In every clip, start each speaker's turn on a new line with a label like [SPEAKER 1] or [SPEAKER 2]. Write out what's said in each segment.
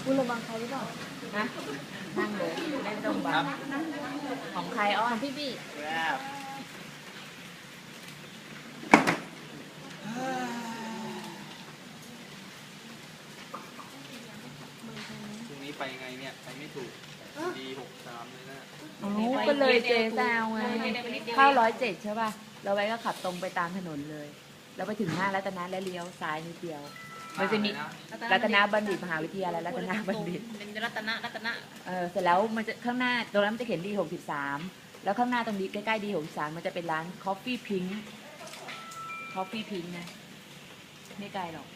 [SPEAKER 1] คุณระวังใครหรือเปล่า
[SPEAKER 2] นะนั่งเลยเล่นตรงบังของใครอ้อ
[SPEAKER 1] ของพี่บี้
[SPEAKER 3] พรุ่งนี้ไปไงเนี่ยไปไม่ถูกD63เลยนะ
[SPEAKER 2] ก็เลยเจแซวไงเข้า107ใช่ป่ะเราไว้ก็ขับตรงไปตามถนนเลยแล้วไปถึงห้างรัตนะและเลี้ยวซ้ายนิดเดียวมันจะมีรัตนบัณฑิตมหาวิทยาลัยรัตนบัณฑิต
[SPEAKER 1] เป็นรัตนะ
[SPEAKER 2] เสร็จแล้วมันจะข้างหน้าตรงนั้นมันจะเขียนD63แล้วข้างหน้าตรงนี้ใกล้ๆD63มันจะเป็นร้าน Coffee Pink นะไม่ไกลหรอก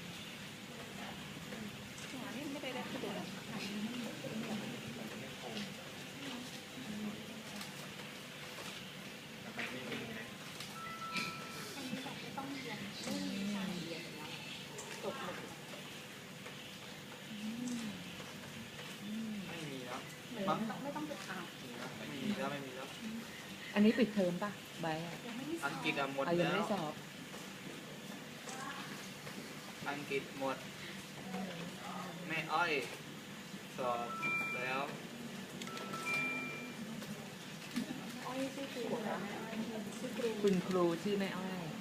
[SPEAKER 1] ไม่ต้องไปถาม
[SPEAKER 3] ไม่มีแล้ว
[SPEAKER 2] อันนี้ปิดเทอมป่ะใบ
[SPEAKER 3] อังกฤษหมด
[SPEAKER 2] ยัง
[SPEAKER 3] แล้ว
[SPEAKER 2] ไม่ได้สอบ
[SPEAKER 3] อังกฤษหมดแม่อ้อยสอบแล้ว
[SPEAKER 2] คุณครูชื่อแม่อ้อย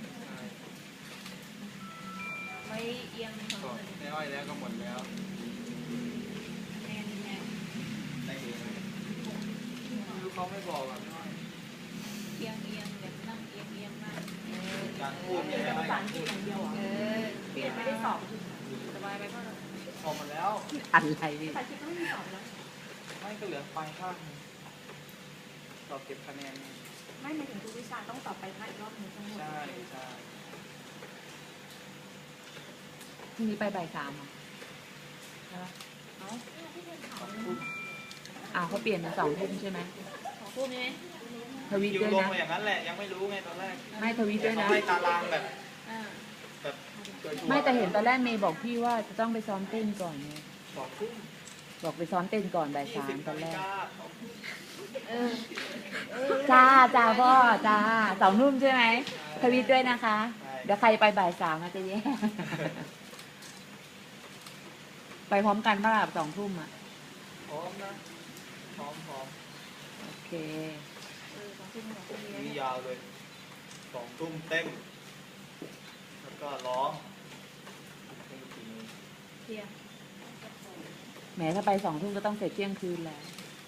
[SPEAKER 1] ไม่เอียง
[SPEAKER 3] แม่อ้อยแล้วก็หมดแล้วลูกเขาไม่บอกอ่ะ
[SPEAKER 1] เอียงแบบนั่งเอียงมาก
[SPEAKER 3] การพูดเนี่ยภาษาอังกฤษอย่างเดียว
[SPEAKER 1] เปลี่ยนไม่ได้สอบสบายไปก็
[SPEAKER 3] สอบหมดแล้ว
[SPEAKER 2] อะไร
[SPEAKER 1] ภาษาอังกฤษก็ไม่มีสอบแล้ว
[SPEAKER 3] ไม่ก็เหลือปลายภาคสอบเก็บคะแนน
[SPEAKER 1] ไม่ในถึงทุกวิชาต้องสอบไปภาคอีกรอบหนึ่งทั้งหมด
[SPEAKER 3] ใช่
[SPEAKER 2] พรุ่งนี้ไปบ่าย 3ใช่ไหมเขาเปลี่ยนเป็น2 ทุ่มใช่ไหม
[SPEAKER 1] 2 ทุ่มใช่ไหม
[SPEAKER 2] ทวิตด้วยนะ
[SPEAKER 3] อย่างนั้นแหละยังไม่รู้ไงตอนแรก
[SPEAKER 2] ไม่ทวิตด้วยนะ
[SPEAKER 3] ไม่ตารางแบบ
[SPEAKER 2] ไม่แต่เห็นตอนแรกเมย์บอกพี่ว่าจะต้องไปซ้อมเต้นก่อนไงบอกไปซ้อมเต้นก่อนบ่าย 3ตอนแรกจ้าพ่อจ้า2 ทุ่มใช่ไหมทวิตด้วยนะคะเดี๋ยวใครไปบ่าย 3อาจจะแย่ไปพร้อมกันป่ะล่ะ2 ทุ่ม
[SPEAKER 3] พร้อมนะพร้อม
[SPEAKER 2] โอเค
[SPEAKER 3] นี่ยาวเลย2 ทุ่มเต้นแล้วก็ร้อง
[SPEAKER 2] แหมถ้าไป2 ทุ่มก็ต้องเสร็จเที่ยงคืนแล้ว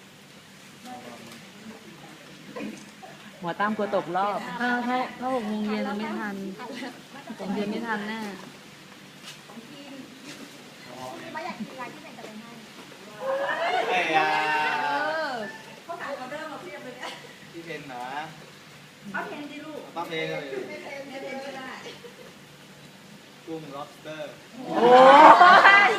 [SPEAKER 2] หมอตั้มกลัวตกรอบถ้า6 โมงเย็นไม่ทัน6 โมงเย็นไม่ทันแน่
[SPEAKER 3] ไม่อยากกินอะไรที่ไหนจะไปให้เขาขายออเดอร์มาเพียบเลยเนี่ยพี่เพนนะป้าเพนดิลูกป้าเพนเลยก็ได้กุ้ง lobster
[SPEAKER 2] โอ้ย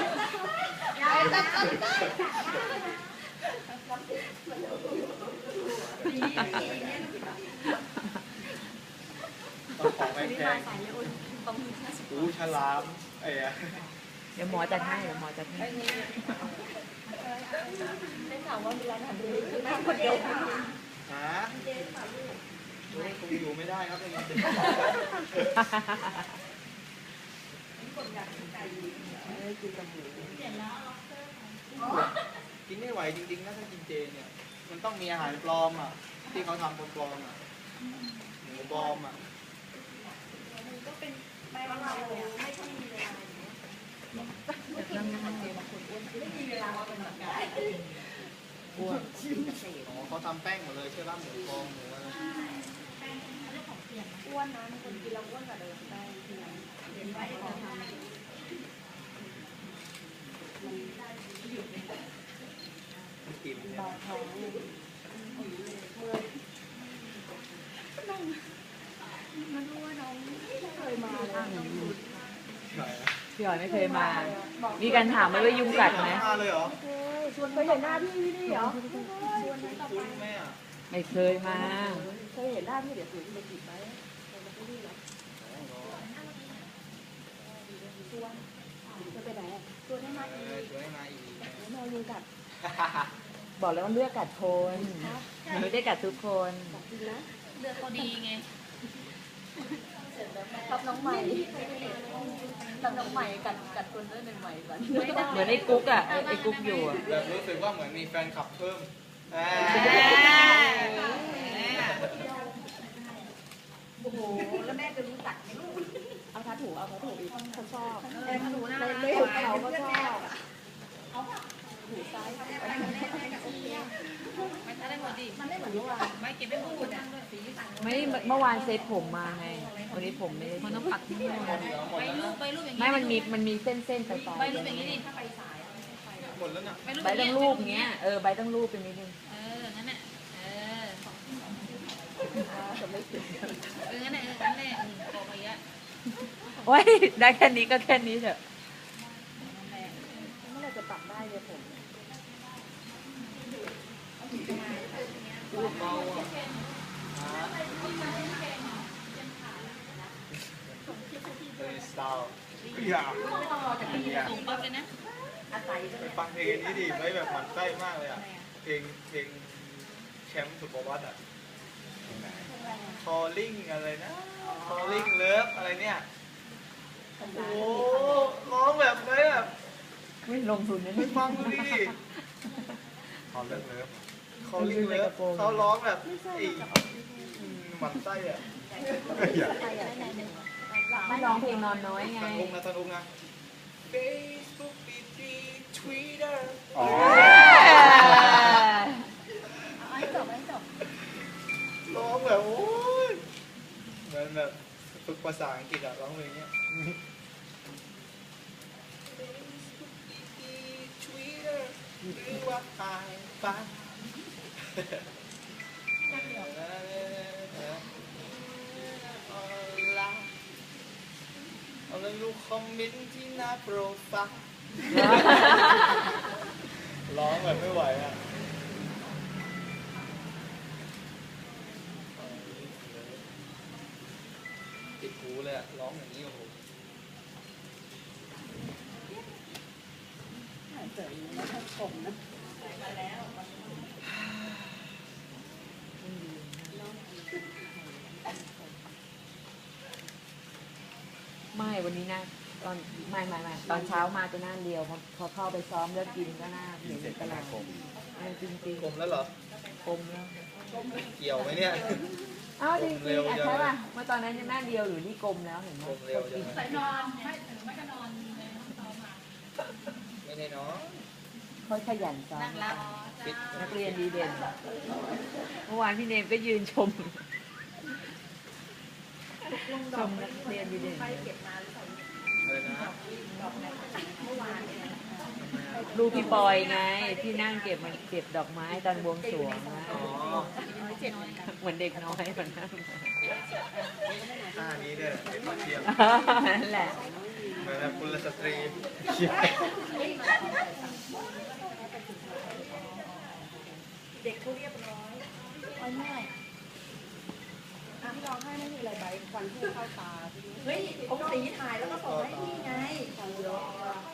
[SPEAKER 3] ต้องของแพงฉลาม
[SPEAKER 2] เดี๋ยวหมอจัดให้
[SPEAKER 1] ได้ข่าวว่ามีร้านอาหารดีคือนั่งคนเดียว
[SPEAKER 3] คงอยู่ไม่ได้ครับอย่างนี้กินไม่ไหวจริงๆนะถ้ากินเจเนี่ยมันต้องมีอาหารปลอมที่เขาทำปลอมหมูปลอม
[SPEAKER 1] มันก็เป็นไปว่าเราไม่ค่อยมีเวลาไม่มีเวลาเราเป็นแบบ
[SPEAKER 2] อ้วน
[SPEAKER 3] เขาทำแป้งหมดเลยใช่ป่ะหมูปลอมหมูอะไร
[SPEAKER 1] อ้วนนะคนกินแล้วอ้วนกว่าเดิมได้ทีนั้นเรียนไปเขาทำ
[SPEAKER 3] กิน
[SPEAKER 1] เบาท้องมันรู้ว่าน้องไม่เคยมาเลย
[SPEAKER 2] พี่หอยไม่เคยมามีการถามไหมว่ายุงกัดไหม
[SPEAKER 3] มาเลยเหรอ
[SPEAKER 1] ชวนเคยเห็นหน้าพี่นี่เหรอชวนต่อไป
[SPEAKER 2] ไม่เคยมา
[SPEAKER 1] เคยเห็นหน้าพี่เดี๋ยวถือไปจีบไหมจะไปไหนชวนให้มาอีกนอนยุงกัด
[SPEAKER 2] บอกแล้วว่าเลือกกัดคนไม่ได้กัดทุกคน
[SPEAKER 1] เลือกเขาดีไงชอบน้องใหม่ชอบน้องใหม่กัดคนด้วยใหม่ๆก่อน
[SPEAKER 2] เหมือนไอ้กุ๊กอ่ะไอ้กุ๊กอยู่อ่ะ
[SPEAKER 3] แบบรู้สึกว่าเหมือนมีแฟนคลับเพิ่ม
[SPEAKER 1] โอ้โหแล้วแม่จะรู้จักไหมลูกเอาทัดหูอีกเขาชอบหูหน้าไม่ถูกเขาก็ชอบหูซ้ายมันได้หมดดิมันไม่เหมือนเมื่อวานไม่เก็บไม่หมดอ่ะสีต่าง
[SPEAKER 2] ไม่เมื่อวานเซตผมมาไงวันนี้ผมไม่ได้
[SPEAKER 4] มันต้องปักที่นี่ใบรูปอย่าง
[SPEAKER 2] ไม่
[SPEAKER 4] นี้
[SPEAKER 2] มันมีเส้นๆไปต่อ
[SPEAKER 4] ใบรูปอย่างนี้ดิ
[SPEAKER 1] ถ้าไปสาย
[SPEAKER 3] หมดแล้วเนี่ย
[SPEAKER 2] ใบต้องรูปเงี้ยใบต้องรูปเป็นนิดนึง
[SPEAKER 4] งั้นน่ะ
[SPEAKER 1] จะไม่ถึง
[SPEAKER 4] งั้นน่ะงั้นแหละโกไปเยอะ
[SPEAKER 2] โอ้ยได้แค่นี้ก็แค่นี้เถอะ
[SPEAKER 1] เมื่อไรจะปรับได้เลยผม
[SPEAKER 3] พูดเบาอ่ะเป็นสไตล์อยาก
[SPEAKER 1] ไม่ต้องรอจากพี่
[SPEAKER 4] ส่งปั๊บเลยนะ
[SPEAKER 1] อาศัย
[SPEAKER 3] ไปฟังเพลงนี้ดิไม่แบบหมันไส้มากเลยอ่ะเพลงแชมป์สุดประวัติอ่ะ calling อะไรนะ calling love อะไรเนี่ยโอ้โหร้องแบบไม่แบบ
[SPEAKER 2] ไม่ลงทุนนะ
[SPEAKER 3] ไป
[SPEAKER 2] นี่
[SPEAKER 3] ฟังดูดิ calling love calling love เขาร้องแบบอีหมันไส้อ่ะ
[SPEAKER 2] ไม่ร้องเพลงนอนน้อยไง
[SPEAKER 3] สนุกนะ Facebook BG Twitter
[SPEAKER 1] ให้จบ
[SPEAKER 3] ร้องแบบโอ้ยเหมือนแบบฝึกภาษาอังกฤษอะร้องเพลงเนี้ย Twitter หรือว่าไฮฟ้าเอาเลยลูกคอมเมนต์ที่หน้าโปรไฟล์ร้องแบบไม่ไหวอ่ะติดหูเลยอ่ะร้องอย่างนี้โอ้โห
[SPEAKER 1] เสริมแล้วถ้าผมนะ
[SPEAKER 2] ไม่วันนี้นะตอนไม่ตอนเช้ามาจะหน้าเรียวพอเข้าไปซ้อมแล้วกินก็หน้าเหม็นตลอดจริง
[SPEAKER 3] กลมแล้วเหรอ
[SPEAKER 2] ๆคมแล้ว
[SPEAKER 3] เกี่ยวไหมเนี่ย
[SPEAKER 2] อ้าวจริงๆใช่ป่ะเมื่อตอนนั้นยังหน้าเดียวหรือที่กลมแล้วเห็นไหม
[SPEAKER 3] กลมเร็วจัง
[SPEAKER 4] ใส่นอนไม่ก็นอน
[SPEAKER 3] ไม่ได้เนาะ
[SPEAKER 2] เขาขยันซ้อม
[SPEAKER 4] นั่งรับ
[SPEAKER 3] ปิด
[SPEAKER 2] นักเรียนดีเด่นเมื่อวานพี่เนมก็ยืนชมนักเรียนดีเด่น
[SPEAKER 1] ไปเก็บมาหรือเปล่า
[SPEAKER 3] เลยนะ
[SPEAKER 1] เมื่อวานเนี่ย
[SPEAKER 2] ลูกพี่ปอยไงที่นั่งเก็บดอกไม้ตอนบวงสรวงนะ
[SPEAKER 3] อ๋อ
[SPEAKER 2] เหมือนเด็กน้อยเหมือนนั่ง
[SPEAKER 3] ท่านี้ด้วยเด็กมาเทียม
[SPEAKER 2] นั่นแหละ
[SPEAKER 3] เหมือนแบบกุลสตรี
[SPEAKER 1] เด็กเขาเรียบร้อยอ้อยง่ายที่ร้องไห้ไม่มีอะไรใบควันพุ่งเข้าตาเฮ้ยผมสีถ่ายแล้วก็ส่งให้พี่ไงของเยอะ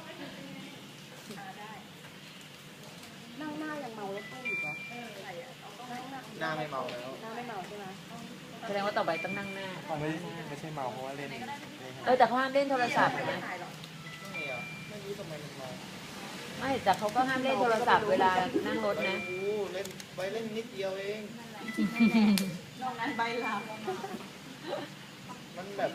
[SPEAKER 1] นั่งหน้ายังเมาแล้วตู้อยู่เหรอ
[SPEAKER 3] หน้าไม่เมาแล้ว
[SPEAKER 1] หน้าไม่เมาใช่ไหม
[SPEAKER 2] แสดงว่าต่อไปต้องนั่งหน้าก่อน
[SPEAKER 3] ไม่
[SPEAKER 2] นั่งหน้า
[SPEAKER 3] ไม่ใช่เมาเพราะว่าเล่น
[SPEAKER 2] แต่เขาห้ามเล่นโทรศัพท์นะ
[SPEAKER 3] ไม่เหรอไม่รู้ทำไมมันเมา
[SPEAKER 2] ไม่แต่เขาก็ห้ามเล่นโทรศัพท์เวลานั่งรถนะ
[SPEAKER 3] ไม่รู้เล่นไปเล่นนิดเดียวเอง
[SPEAKER 1] นอกนั้นใบลา
[SPEAKER 3] มันแบบ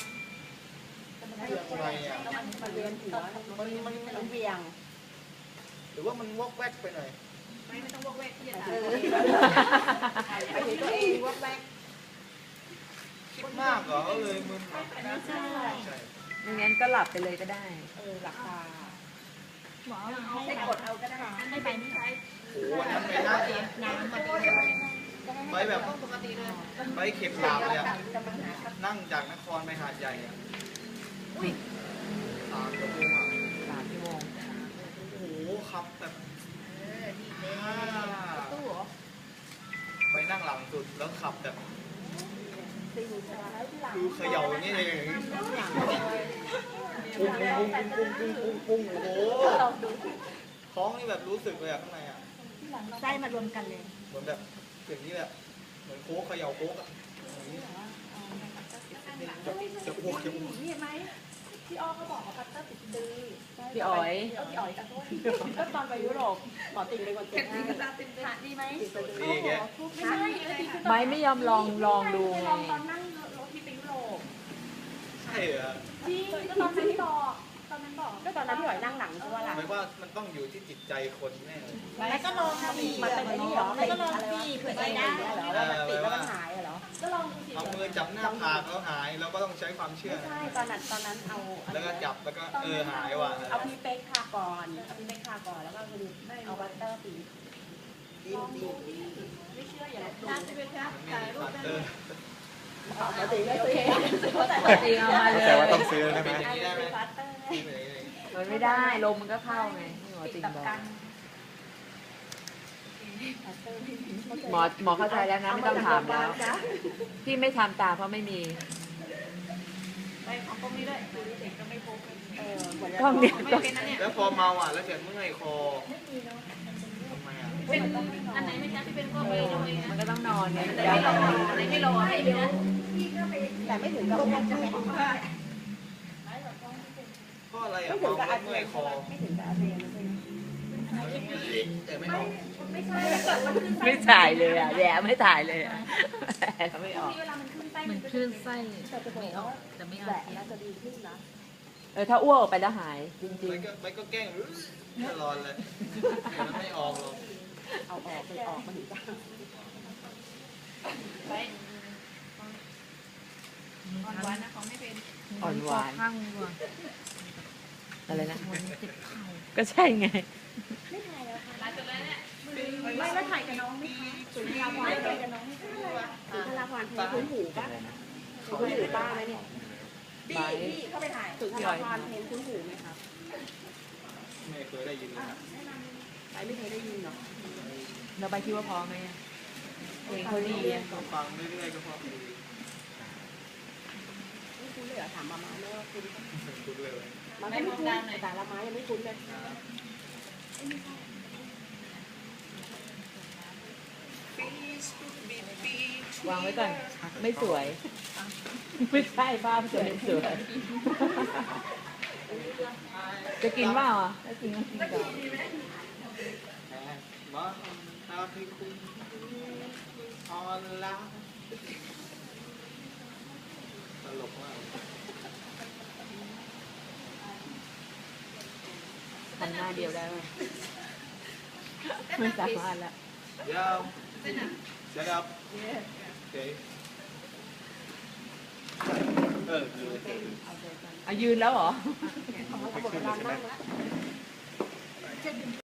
[SPEAKER 3] ยังไงอ่ะ
[SPEAKER 1] มันเวียนหัว
[SPEAKER 3] มัน
[SPEAKER 1] เวียง
[SPEAKER 3] หรือว่ามันวอกแวกไปหน่อย
[SPEAKER 4] ไม่ต้องวอกแวกที่จะ
[SPEAKER 1] เอ
[SPEAKER 4] ตาย
[SPEAKER 1] อไปเห็นตัวเองว่าแบก
[SPEAKER 3] คิดมากเหรอก็เลยมึน
[SPEAKER 1] ไม่ใช่
[SPEAKER 3] ใช่
[SPEAKER 2] ไม่งั้นก็หลับไปเลยก็ได้
[SPEAKER 1] หลักตา
[SPEAKER 4] หมอ
[SPEAKER 1] ให้กดเอาก็ได้
[SPEAKER 4] ให้ไปนี่ใช้
[SPEAKER 3] โอ้โหวันนั้นไปนั่ง
[SPEAKER 4] น้ำมาดี
[SPEAKER 3] ไปแบบ
[SPEAKER 4] ปกติเลย
[SPEAKER 3] ไปเข็มหลาบเลยอะนั่งจากนครไปหาดใหญ่อะ
[SPEAKER 2] อุ้ย
[SPEAKER 3] 3 ชั่วโมงอะ
[SPEAKER 2] 3 ชั่วโมง
[SPEAKER 3] โอ้โหขับแบบ
[SPEAKER 4] ตู้เหรอ
[SPEAKER 3] ไปนั่งหลังสุดแล้วขับแบบ
[SPEAKER 1] ตีหูชาที่หลัง
[SPEAKER 3] คือเขย่าอย่างนี้เลยปุ้งปุ้งปุ้งปุ้งปุ้งปุ้งโอ้โหท้องนี่แบบรู้สึกเลยอะข้างในอะ
[SPEAKER 1] ไส้มารวมกันเลย
[SPEAKER 3] เหมือนแบบอย่างนี้แหละเหมือนโค้กเขย่าโค้กอะจะอ้วกจะอ้วก
[SPEAKER 1] นี่เห็นไหมพี่อ้อก็บอกว่าพัตเตอร์ติดดื้อ
[SPEAKER 2] พี่อ๋อย
[SPEAKER 1] พี่อ๋อยกับโทษก็ตอนไปยุโรปหมอติ่งเป็นคนติดให้ขาดดีไหม
[SPEAKER 3] ดีแก
[SPEAKER 1] ไม่ใช่ติดคือ
[SPEAKER 2] ไม่ยอมลองดูไง
[SPEAKER 1] ลองตอนนั่งรถที่ไปยุโรป
[SPEAKER 3] ใช่เหรอ
[SPEAKER 1] จริงก็ตอนนั้นบอกตอนนั้นบอกก็ตอนนั้นพี่อ๋อยนั่งหลังใช่ป่ะล่ะ
[SPEAKER 3] หมายว่ามันต้องอยู่ที่จิตใจคนแน่เลย
[SPEAKER 1] แล้วก็ลองสิมันเป็นไอ้นี่เหรอแล้วก็ลองสิเผื่อจะได้เหรอว่ามันติดแล้วมันหายเหรอก็ลองดูสิ
[SPEAKER 3] เอามือจับหน้าผากแล้วหายเราก็ต้องใช้ความเชื่อ
[SPEAKER 1] ไม่ใช่ตอนนั้นเอา
[SPEAKER 3] แล้วก็จับแล้วก็หายว่ะ
[SPEAKER 1] เอาพีเป๊กทาก่อนเอาพีเป๊กทาก่อนแล้วก็คือเอาบัตเตอร์ปีลองดูไม่เชื่ออย่าลบหลู่
[SPEAKER 4] น่าจะเป็นครับ
[SPEAKER 3] มันไม่มีปัตเตอร์
[SPEAKER 1] ปกติไม่ซื้อ
[SPEAKER 2] ปกติเอามาเลย
[SPEAKER 3] แต่ว่าต้องซื้อได้ไหมอย่างนี้ได้ไหม
[SPEAKER 1] บัตเตอร์
[SPEAKER 3] ซื้อไปเลย
[SPEAKER 2] มันไม่ได้ลมมันก็เข้าไงที่หมอติงบอกหมอเข้าใจแล้วนะไม่ต้องถามแล้วพี่ไม่ทำตามเพราะไม่มี
[SPEAKER 4] ไปของพวกนี้ด้วยเด็กก็ไม่พก
[SPEAKER 2] กล้องเนี่ย
[SPEAKER 4] ไม่เป็นนะเนี่ย
[SPEAKER 3] แล้วพอเมาอ่ะแล้วเกิดเมื่อยคอทำไมอ่ะ
[SPEAKER 4] เป็นอันไหนไม่ใช่ที่เป็นพวกไปโดย
[SPEAKER 2] มันก็ต้องนอนไง
[SPEAKER 4] แต่ไม่รออะไรไม่รอให้นะ
[SPEAKER 1] แต่ไม่ถึงกับอ้วกใช่ไหม
[SPEAKER 3] ก็อะไรอ่ะ
[SPEAKER 1] ไม่ถึง
[SPEAKER 3] เมา
[SPEAKER 1] กับอา
[SPEAKER 3] เมื่
[SPEAKER 1] เจี
[SPEAKER 3] อย ย
[SPEAKER 1] น
[SPEAKER 3] คอ
[SPEAKER 1] ไม่ถึงกับอาเจียนใช่ไหม
[SPEAKER 3] แต่ไม่ออก
[SPEAKER 1] ไม่ใช่ถ้าเกิดมันขึ้นไส้
[SPEAKER 2] ไม่ถ่ายเลยอ่ะแย่ไม่ถ่ายเลยอ่ะเขาไม่ออก
[SPEAKER 1] เวลามันขึ้นไส้
[SPEAKER 4] เหมือนคลื่นไส้
[SPEAKER 1] แต่จะบอกว่า
[SPEAKER 4] แต่ไม่
[SPEAKER 1] แห
[SPEAKER 4] เอา
[SPEAKER 1] ละน่าจะดีขึ้นนะ
[SPEAKER 2] ถ้าอ้วกออกไปแล้วหายจริง
[SPEAKER 3] ไม่ก็แกล้งตลอดเลยมันไม่ออกหรอก
[SPEAKER 1] เอาออกไปออกมาถึงจะ
[SPEAKER 4] ไปอ่อนหวานนะของไม่เป็น
[SPEAKER 2] ๆอ่อนหวาน
[SPEAKER 4] ข้างดีกว่า
[SPEAKER 2] อะไรนะ
[SPEAKER 4] เจ็บเข่า
[SPEAKER 2] ก็ใช่ไง
[SPEAKER 1] ไม่ถ่ายแล้วค่ะ
[SPEAKER 4] หลังจากนั้นเนี่ย
[SPEAKER 1] ไม่แล้วถ่ายกับน้องไหมคะสุนทราพรถ่ายกับน้องไหมคะสุนทราพรเพลงคุ้นหูปะคุ้นหูป้าไหมเนี่ยพี่เข้าไปถ่ายสุนทราพรเพลงคุ้นหูไหมครับ
[SPEAKER 3] ไม่เคยได้ยินเลยครับ
[SPEAKER 1] ไปไม่เคยได้ยินเนาะ
[SPEAKER 2] เราไปคิดว่าพอไหมเพลงเขาดีอ่ะ
[SPEAKER 3] ก็ฟังเรื่อยๆก็พอดี
[SPEAKER 1] ไม่คุ้นเลยเหรอถามมาม่าเนอะคุ้น
[SPEAKER 3] คุ้นเลย
[SPEAKER 1] มันไม่คุ้นแต่ละไม้ยังไม่คุ้นเลย
[SPEAKER 2] วางไว้ก่อนไม่สวย ไม่ใช่ภาพจะไม่สวยจะกินเปล่าอ่ะถ้ากินก็กินก่อน
[SPEAKER 3] บ้าตาพี่คุณออนไลน์ตลกมาก
[SPEAKER 2] ทำหน้าเดียวได้ไหมไม่สามารถละ
[SPEAKER 3] ยาวจะดับโอเค
[SPEAKER 2] ยืนแล้วเหรอ
[SPEAKER 1] ของเราหมดเวลานั่งแล้ว